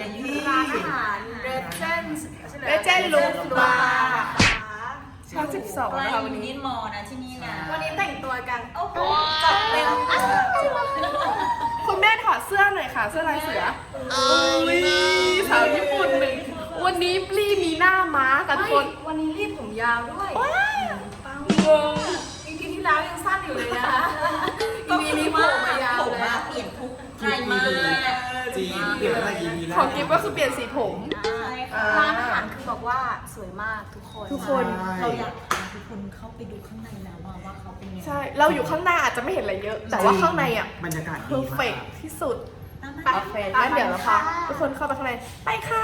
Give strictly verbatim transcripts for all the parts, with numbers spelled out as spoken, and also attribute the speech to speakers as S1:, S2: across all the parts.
S1: ร้านอาหารเรเจน
S2: เรเจนลูฟบาร์ชั้นสิบสองนะคะวันนี้
S3: มอนะที่นี่นะ
S1: วันนี้แต่งตัวกันโอ้โหจัดเต็ม
S2: คุณแม่ถอดเสื้อหน่อยค่ะเสื้อลายเสืออุ้ยสาวญี่ปุ่นหนึ่งวันนี้ปลีมีหน้าม้ากันทุกคน
S1: วันนี้รีบผมยาวด้วย
S2: งง
S1: อีพีที่แล้วยังสั้นอยู่เลยนะคะอีพีนี้ผมมายาว
S3: ผม
S1: เลย
S3: มาเปลี่ยนทุกไทยมาก
S4: จีนเปลี่ยนอะไรอีพีแล้ว
S2: ของกิฟก็คือเปลี่ยนสีผม
S1: ร้านอาหารคือบอกว่าสวยมากทุกคน
S2: ทุกคน
S3: เราอยากพาทุกคนเข้าไปดูข้างในแล้วว่าเขาเป็นยังไง
S2: ใช่เราอยู่ข้างหน้าอาจจะไม่เห็นอะไรเยอะ แต่ว่าข้างในอ่ะ
S4: บรรยากาศ
S2: เพ
S4: ดี
S2: อร์
S4: มา
S2: เฟก
S4: ก
S2: ที่สุดโอเคงั้นเดี๋ยวเราพาทุกคนเข้าไปข้างในไปค่ะ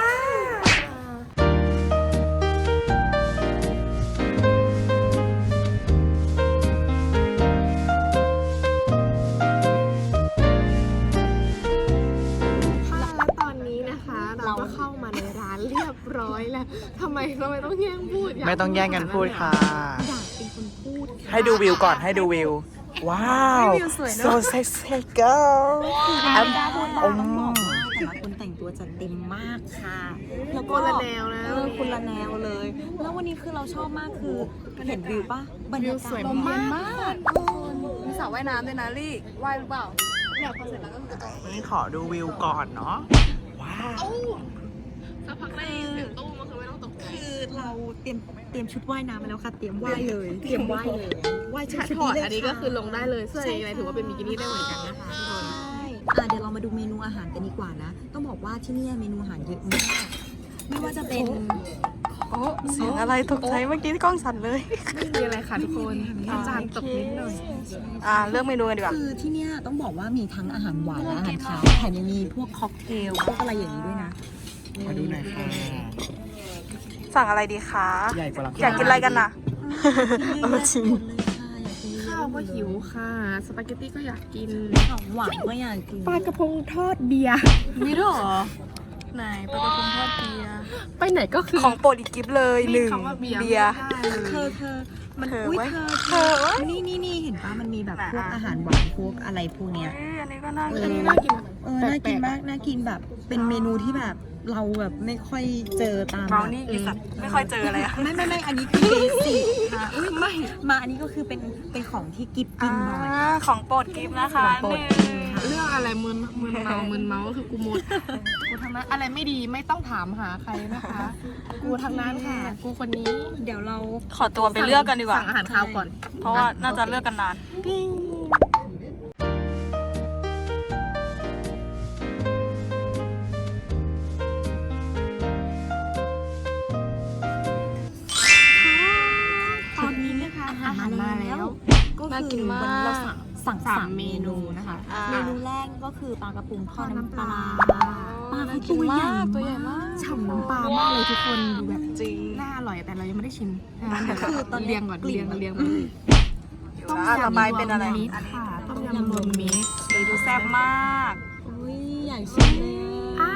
S2: แล้วตอนนี้นะคะเราก็เข้ามาในร้านเรียบร้อยแล้วทำไมเราไม่ต้องแย่งพูด
S4: ไม่ต้องแย่งกันพูดค่ะ
S2: อยากเป็นคนพูด
S4: ให้ดูวิวก่อนให้ดูวิว ว้าว
S2: วิวสวยเนอะ
S4: so sexy girl
S3: แอมต้องบอกว่าแต่ละคนแต่งตัวจัดเต็มมากค่ะแล้วก็
S2: คนละแนวนะ
S3: เออคนละแนวเลย แล้ววันนี้คือเราชอบมากคือเห็นวิวปะบรรยากาศ
S2: สวยมากมีสระว่ายน้ำด้วยนะลี่ว่ายหรือเปล่าเนี่ยพอเสร็จแล้วก็จะ
S4: นี่ขอดูวิวก่อนเนาะ ว้าว
S2: สักพักได้ยินเสียงตู้มันคือไม่ต้องตกใจ
S3: คือเราเตรียมเตรียมชุดว่ายน้ำมาแล้วค่ะเตรียมว่ายเลยเตรียมว่ายเลยว่ายชุด
S2: ถ้า
S3: ชุด
S2: ถอด
S3: นี้เลย
S2: อันนี้ก็
S3: ค่ะ
S2: คือลงได้เลยเสื้ออะไรถือว่าเป็นบิกินี่ได้เหมือนกันนะคะทุกคน
S3: ใช่อ่ะเดี๋ยวเรามาดูเมนูอาหารกันดีกว่านะ ต้องบอกว่าที่นี่เมนูอาหารเยอะมาก ไม่ว่าจะเป็น
S2: โอ้
S4: เสียงอะไรตกใจเมื่อกี้ที่กล้องสั่นเลย
S2: ไม่มีอะไรค่ะทุกคนอาจารย์ตกนิดหน่อย
S4: อ่าเลือกเมนูกันดีกว่า
S3: คือที่เนี่ยต้องบอกว่ามีทั้งอาหารหวานและอาหารคาวแถมยังมีพวกค็อกเทลพวกอะไรอย่างนี้ด้วยนะ
S4: มาดูหน่อยค่ะ
S5: สั่งอะไรดีคะ
S4: ใหญ่กว่าเรา
S5: อยากกินอะไรกันน่ะ
S3: เออจริง
S2: ข้าวก็หิวค่ะสปาเกตตี้ก็อยากกิน
S3: ของหวานก็อยากกิน
S2: ปลากระพงทอดเบียร์
S3: มีด้วยเหรอ
S5: ไหนปลากระพงทอดเบียร์
S2: ไปไหนก็คือ
S5: ของโปรดอีกกิฟเลยหนึ่ง
S2: คำว่าเบียร์
S5: เบียร์
S2: ไม่ได้
S3: เธ
S2: เล
S3: อย เธอมัน
S5: เธอ
S3: อุ้ย
S5: ไว้
S3: เธอ
S5: เธอไว้
S3: นี่นี่นี่เห็นปะมันมีแบบ
S5: น่ะ
S3: พวกอาหารหวานพวกอะไรพวกเนี้ย
S5: เอ้ยอันนี้ก็น่า
S3: เอ
S5: กิ
S3: อ
S5: น
S2: น่ากิน
S3: เออ น่ากินมาก น่ากินแบบ เป็นเมนูที่แบบเราแบบไม่ค่อยเจอตาม
S5: เบรานี่อีสัตว์ไม่ค่อยเจออะไรอะ
S3: ไม่ไม่ไม่อันนี้คือเบสิกค่ะอุ้ยไม่ มาอันนี้ก็คือเป็น เป็นของที่กิฟกินบ่อย
S5: อ่าของโปรดกิฟนะคะ
S3: ของโปรด
S5: หนึ่ง
S2: เรื่องอะไรมึนมึนเมามึนเมาก็คือกูหมดกูทางนั้นอะไรไม่ดีไม่ต้องถามหาใครนะคะ กูทางนั้นค่ะ กูคนนี้
S3: เดี๋ยวเรา
S5: ขอตัวไปเลือกกันดีกว่า
S2: สั่งอาหารคาวก่อน
S5: เพราะว่าน่าจะเลือกกันนาน
S3: ตอนนี้นะคะอาหารมาแล้ว ก็
S2: น่ากิ
S3: คื
S2: น
S3: อ
S2: มาก
S3: วันนี้เราสั่งสั่ง
S2: สาม
S3: สามเมนู
S2: เมนูนะคะ
S5: อ่า
S3: เมนูแรกก็คือปลากระพงทอดน้ำปลาปลา
S5: น่า
S3: เขา
S5: กิน
S3: ตัวใหญ่
S5: มากตัวใหญ่มาก
S2: ฉ่ำน้ำปลามากเลยทุกคนดูแบบ
S5: จริง
S2: น่าอร่อยแต่เรายังไม่ได้ชิมงั้นเดี๋ยว
S3: คือตอนนี้
S2: เรียงก่อน
S3: กลิ่น
S2: เรียงกันเรียง
S5: ต้มยำต่อไปเป็นอะไร
S2: มิตรค่ะต้มยำรวมมิตร
S5: สีดูแซ่บมาก
S3: อุ้ยอยากชิมเลย
S2: อ่า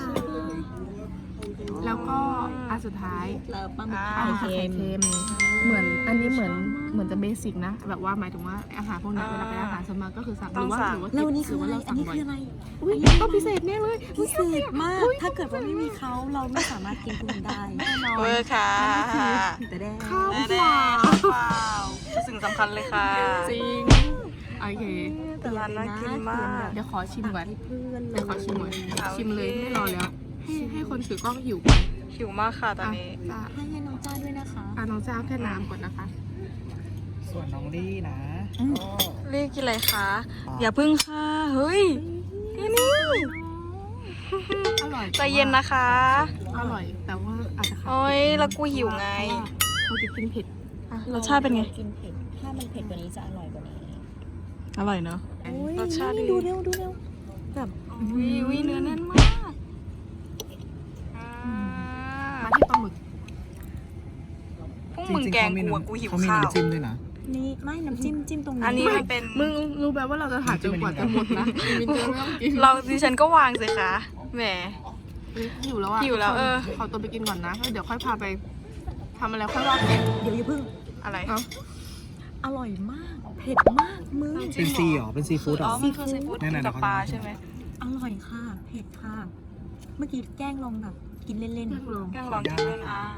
S2: แล้วก็อันสุดท้าย
S3: แล้วปลาหมึก
S5: อ่า
S3: ไข่
S2: ไข่
S3: เค็ม
S2: เค็มเหมือนอันนี้เหมือนเหมือนจะเบสิกนะ แบบว่าหมายถึงว่าอาหารพวกนี้เวลาเป็นอาหารส่วนมากก็คือสั่งห
S5: ต้
S2: รือ อง ว่า
S5: สั่ง
S2: หรือว่า
S3: แล้ววันนี้
S2: ห
S3: คื
S2: รือ อ
S3: อะ
S2: ว่า
S3: ไร
S2: เรา
S3: อั
S2: สั่
S3: น
S2: ง
S3: นี้
S2: บ่อ
S3: คื
S2: ย
S3: ออะไร
S2: อุ้ยต้องพิเศษแน่เลย
S3: พิเศษมาก ถ้าเกิดว่าไม่มีเขาเราไม่สามารถกินคุณได้แน่นอน
S5: เวอร์ค่ะ
S3: แต่แด้
S2: ข้าว
S5: แน่
S2: เป
S5: ๆ
S2: ล่า
S5: เปล่าสิ่งสำคัญเลยค่ะ
S2: จริงโอเค
S5: แต่ร้านน่ากินมาก
S2: เดี๋ยวขอชิมก่อน
S3: ให้เพื่อนเล
S2: เดี๋ยวย ขอชิมก่อน
S5: เอา
S2: ชิมเลย
S5: โอเค
S2: ไม่รอแล้ว ให้ให้คนถือกล้องหิว
S5: หิวมากค่ะตอนนี้
S2: จ้า
S3: ให้ให้น้องจ้าด้วยนะคะ
S2: อ่ะน้องจ้าแค่น้ำก่อนนะคะ
S4: ส่วนน้องลี่นะ
S3: อืม
S4: ก็
S5: เรียกกินอะไรคะ อย่าพึ่งค่ะ เฮ้ยนี่นี่
S2: อร่อย
S5: ใจเย็นนะคะ
S2: อร่อย แต่ว่าอาจจะขาด
S5: โอ้ยแล้วกูหิวไง
S2: เราจะกินเผ็ด
S5: อ่ะรสชาติเป็นไง
S3: กินเผ็ด ถ้ามันเผ็ดกว่านี้จะอร่อยกว่านี้
S5: อร่อยเนอะ รสชาติดี
S3: ดูเร็วดูเร็วแบบ
S5: วิวิเนื้อแน่นมากอ่า
S2: มาที่ปลาหมึก
S5: พวกมึงแกงกูอะกูหิว
S4: เขามี
S5: ข้าว
S4: น้ำจิ้มด้วยนะ
S3: นี่ไม่น้ำจิ้มจิ้มตรงนี้
S5: อันนี้มันเป็น
S2: มึงรู้แบบว่าเราจะถ่ายจนกว่าจะหมดนะมินจะไม่ต้องกิน
S5: เราดิฉันก็วางสิคะแหม
S2: หิวแล้วอ่ะ
S5: หิวแล้วเออ
S2: ขอตัวไปกินก่อนนะแล้วเดี๋ยวค่อยพาไปทำอะไรค่อยว่ากัน
S3: เดี๋ยวอย่าเพิ่ง
S5: อะไร
S2: เอ้า
S3: อร่อยมาก เผ็ดมากมึง
S4: เป็นซีเหรอ เป็นซีฟู้ดเหร
S5: อ๋อ
S4: อ
S5: มันคือซีฟู้ด
S4: นั่นน่ะ
S5: กับปลาใช่ไหม
S3: อร่อยค่ะ เผ็ดค่ะเมื่อกี้แกล้งลองแบบกินเล่น
S2: ลอง
S5: แกงลองกินเล่นอ่ะ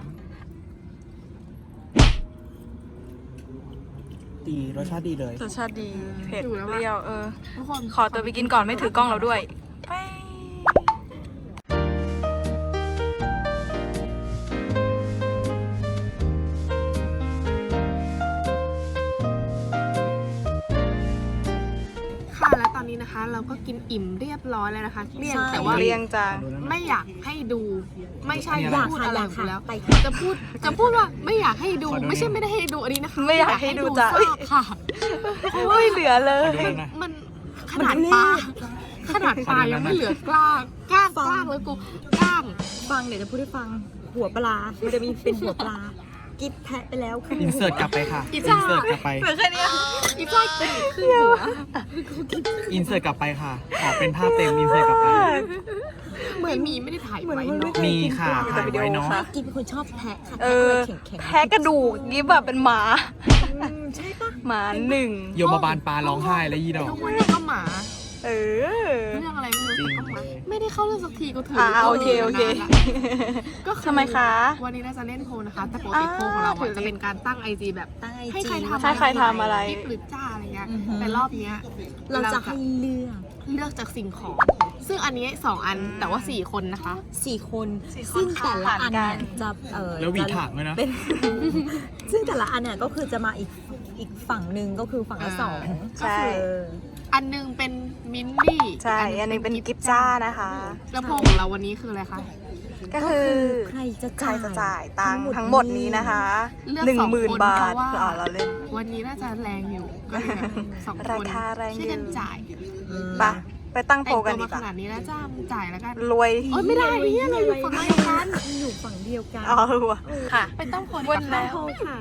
S4: ดีรสชาติดีเลย
S5: รสชาติดี เผ็ด
S2: อยู่แล้ว
S5: เป
S2: อะ
S5: รี้ยว เออ
S2: ทุกคน
S5: ขอตัวไปกินก่อนไม่ถือกล้องเราด้วย ไป
S2: ค่ะและตอนนี้นะคะ เราก็กินอิ่มเรียบร้อยแล้วนะคะเกลี้ยง
S3: ใช่
S2: แต่ว่า
S5: เรียงจัง
S2: ไม่อยากให้ดู ไม่ใช่
S3: ๆ อยาก
S2: พูด
S3: ค่ะ
S2: อะไร
S3: อยาก
S2: ไป
S3: ค่ะ
S2: แล้ว
S3: ไปค่ะ
S2: จะพูดจะพูดว่าไม่อยากให้ดู
S4: ขอดู
S2: ไม่ใช่
S4: หน่อย
S2: ไม่ได้ให้ดูอันนี้นะคะ
S5: ไม่อยากให้ดูจ้ะ
S2: ซากค่ะ
S5: ไม่เหลือเลย
S4: ขอดูหน่อย
S2: มันขนาดปลาขนาดปลายังไม่เหลือกล้างกล้างกล้างเลยกูกล้าง
S3: ฟังเดี๋ยวจะพูดให้ฟังหัวปลา มันจะมีเป็นหัวปลา กิฟแทะไปแล้วคือ
S4: อินเสิร์ตกลับไปค่ะ
S2: อี
S4: อิน
S2: จ้า
S4: เสิร์ตกลับไป
S5: เหลือแค่เนี้ย
S2: อีกล้างกินครึ่งหัว
S4: อินเสิร์ตกลับไปค่ะ ออกเป็นภาพเต็มอินเสิร์ตกลับไป
S2: เหมือนมีไม่ได้ถ่ายไว้เนอะ
S4: มีค่ะถ่ายไว้เนาะ
S3: กิฟเป็นคนชอบแทะค่ะ
S5: เอ
S3: แทะ
S5: อ
S3: แข็งๆ
S5: แพ้กระดูกยิบแบบเป็นหมา
S3: อืมใช่ปะ
S5: หมาหนึ่ง
S4: โยมบาลปลาร้องไห้แล้วยี่ดอก
S2: ทุกวันนี้ก็หมา
S5: เออ
S2: เรื่องอะไรไม่รู้
S4: จริง
S2: ก็หมาไม่ได้เข้าเรื่องสักทีก็ถือ
S5: อ่า
S2: อ่า
S5: โอเคโอเค
S2: ก็อ
S5: ทำไมคะ
S2: วันนี้เราจะเล่นโพลนะคะ แต่ปกติโพลของเรา
S5: อ่า
S2: อะจะเป็นการตั้งไอจีแบบ
S3: ตั้งไอ
S2: ให้
S3: จี
S2: ใครทำ
S5: ให้ใครทำอะไร
S2: คลิปหรือจ้าอะไรเงี้ย
S3: อือฮึ
S2: แต่รอบเนี้ย
S3: เราจะให้เลือก
S2: เลือกจากสิ่งของ ซึ่งอันนี้สองอันแต่ว่าสี่คนนะคะ
S3: สี่คน
S5: สี่คน
S3: ซึ่งแต่ละอันเนี่ย
S5: ผ่านกัน
S3: จะเออ
S4: แล้วหวี
S3: จะ
S4: ถางด้วยนะ
S3: เป็น ซึ่งแต่ละอันเนี่ยก็คือจะมาอีกอีกฝั่งหนึ่งก็คือฝั่งละ
S2: อ่า
S3: สอง
S5: ใช่
S3: เออ
S2: อันหนึงเป็นมินนี่
S5: ใช่ อันนี้เป็นกิฟจ้านะคะ
S2: แล้วโพลของเราวันนี้คืออะไรคะ
S5: ก็คือ
S3: ใครจะ
S5: ใคร
S3: จ่าย
S5: จะจ่ายตังค์ทั้งหมดนี้นะคะ
S2: เลือก
S5: หนึ่ง
S2: สอง
S5: หมื่น
S2: คน
S5: บา
S2: เพ
S5: ท
S2: ราะว่า
S5: อ๋อเราเล่น
S2: วันนี้น่าจะแรงอยู่ก็เลยแบบสองคน
S5: ราคาแรงอยู่
S2: ช่วยกันจ่าย
S3: อืม
S5: ไปไปตั้งโพ
S2: แต่ง
S5: ลกัน
S2: ตัว
S5: ดี
S2: มาก ข
S5: ว่า
S2: นาดนี้แล้วจ้ามึงจ่ายแล้วกัน
S5: รวย
S2: โอ๊ยไม่ได้เนี่ยเราอยู่ฝั่งเดียวกัน
S3: อยู่ฝั่งเดียวกัน
S5: อ๋อว่ะค่ะ
S2: ไปตั้งโพล
S5: วันแล้ว
S2: ค่ะ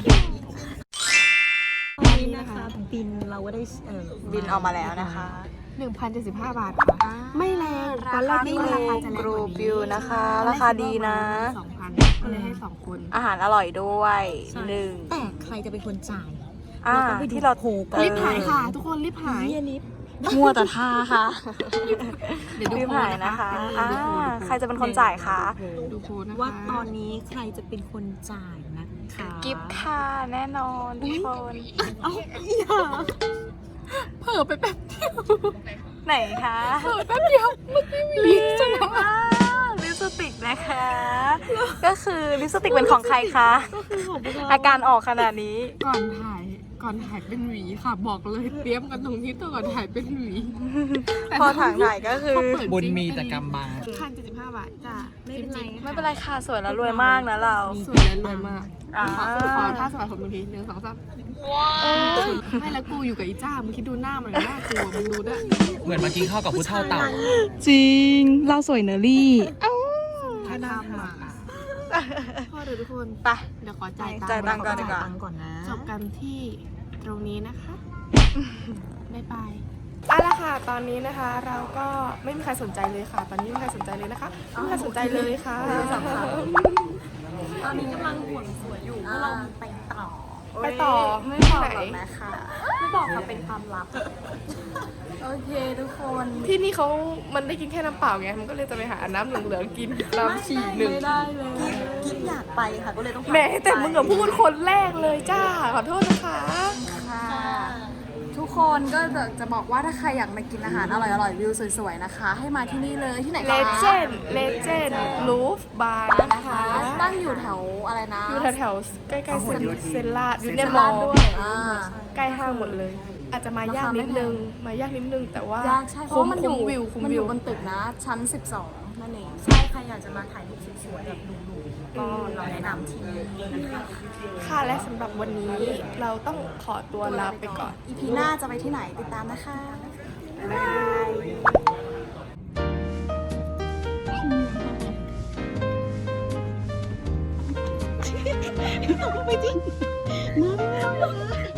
S3: ตอนนี้นะคะบินเราก็ได้เออ
S5: บินออกมาแล้วนะคะ
S2: หนึ่งพันเจ็ดสิบห้าบาทค่ะ ไม่แรงตอนแรกนี่ว่าราคาจะแรง
S5: ก
S2: ก
S5: รู
S2: ว่า
S5: บิ
S2: นี้
S5: วนะคะ ราคาดีนะ
S2: สองพันก็เลยให้สองคน
S5: อาหารอร่อยด้วยหนึ่ง
S3: แต่ใครจะเป็นคนจ่าย
S5: อ่า
S3: เราต้องไปดู
S5: ที่เรา
S3: โพลกัน
S2: รีบหายค่ะ ทุกคนรีบหาย
S3: เฮียลิฟ
S5: มัวแต่ท่าค่ะ
S2: เดี๋ยวดู
S5: รีบ
S2: โพล
S5: หาย
S2: นะ
S5: นะคะ
S2: คะ
S5: อ่าใครจะเป็นคนจ่ายคะ
S2: ดูโพลนะคะ
S3: ว่าตอนนี้ใครจะเป็นคนจ่ายนะคะ
S5: กิฟต์ค่ะแน่นอนทุกคน
S3: เอ้าอย่า
S2: เผลอไปแป๊บเดียว
S5: ไหนคะ
S2: เผลอแป๊บเดียวเมื่อกี้มีลิปสติก
S5: ว้าวลิปสติกนะคะ ก็คือลิปสติกเป็นของใครคะ
S3: ก็คือของพวกเรา
S5: อาการออกขนาดนี้
S2: ก่อนถ่ายก่อนถ่ายเป็นหวีค่ะ บอกเลยเตรียมกันตรงนี้ตัวก่อนถ่ายเป็นหวี
S5: พอถ่ายถ่ายก็คือ
S2: พเปิด
S4: บุญ
S2: จริง
S4: มีแต่กำบัง
S2: พันเจ็ดสิบห้าบาทจ้า
S3: ไม่เป็นไร
S5: ไม่เป็นไรค่ะสวยแล้วรวยมากนะเรา
S2: สวยและรวยมาก
S5: อ่า
S2: ขอขอท่าสมัครคนบางทีหนึ่งสองสามไม่แล้วกูอยู่กับอีจ้ามึงคิดดูหน้ามันหน้ากลัวมึงดูด้วย
S4: เหมือนเมื่อกี้เข้ากับผู้เท่าเต่า
S5: จริง เราสวยเนอรี่
S2: ถ้าดำอ่ะพอเดี๋ยวทุกคน
S5: ไป
S2: เดี๋ยวขอจ่าย
S5: จ่ายตั
S2: ตั
S5: ง
S2: ง
S5: ค์
S2: ค์
S5: ก่อนดีกว่า
S3: ตังค์ก่อนนะ
S2: จบกันที่ตรงนี้นะคะบ๊ายบายเอาละค่ะ ตอนนี้นะคะ เราก็ไม่มีใครสนใจเลยค่ะ ตอนนี้ไม่มีใครสนใจเลยนะคะไม่มีใครสนใจเลยค่ะ
S3: ตอนนี้กำลังห่วงสวยอยู่เพราะเราไปต่อ
S2: ไปต่อ
S5: ไม่บ
S2: ที่
S5: อก
S2: ไหน
S5: หรอกนะคะ
S3: ไม่บอกค่ะเป็นความลับ
S5: โอเคทุกคน
S2: ที่นี่เขามันได้กินแค่น้ำเปล่าไง มันก็เลยจะไปหาน้ำเหลืองๆกินน้ำฉี่หนึ่ง
S5: ไม่ได้เลย
S3: กิ๊บอยากไปค่ะก็เลยต้อง
S2: แหมแต่มึงกับพูดคนแรกเลยจ้า ขอโทษนะคะ
S5: ค่ะทุกคนก็จะบอกว่าถ้าใครอยากมากินอาหารอร่อยๆวิวสวยๆนะคะ ให้มาที่นี่เลยที่ไหน
S2: เล
S5: คะ
S2: เจนด์เลเจนด์ลูฟบาร์นะคะ
S5: ตั้งอยู่แถวอะไรนะ
S2: อยู่แถวๆใกล้ๆเซนเซนลาดอยู่ใน
S5: เซน
S2: ม
S5: ลา
S2: อ
S5: ด
S2: ล
S5: ด้วย
S2: ด้วย
S5: อ่า
S2: ใกล้ห้างหมดเลย อาจจะมายากนิดนึง มายากนิดนึงแต่ว่าย
S5: ากใช่เพราะ
S2: คุ้ม
S5: ว่ามันอยู่
S2: คุ้มวิวคุ้ม
S5: มันอ
S2: วิว
S5: ยู่บนตึกนะ ชั้นสิบสองนั่นเอง
S3: ใช่ใครอยากจะมาถ่ายรูปสวยๆแบบดูๆก็เราแนะนำที่นี่นะคะ
S2: ค่ะและสำหรับวันนี้เราต้องขอตัวลาไปก่อน
S5: อีพีหน้าจะไปที่ไหนติดตามนะคะ บ๊ายบาย
S3: ไม่จริง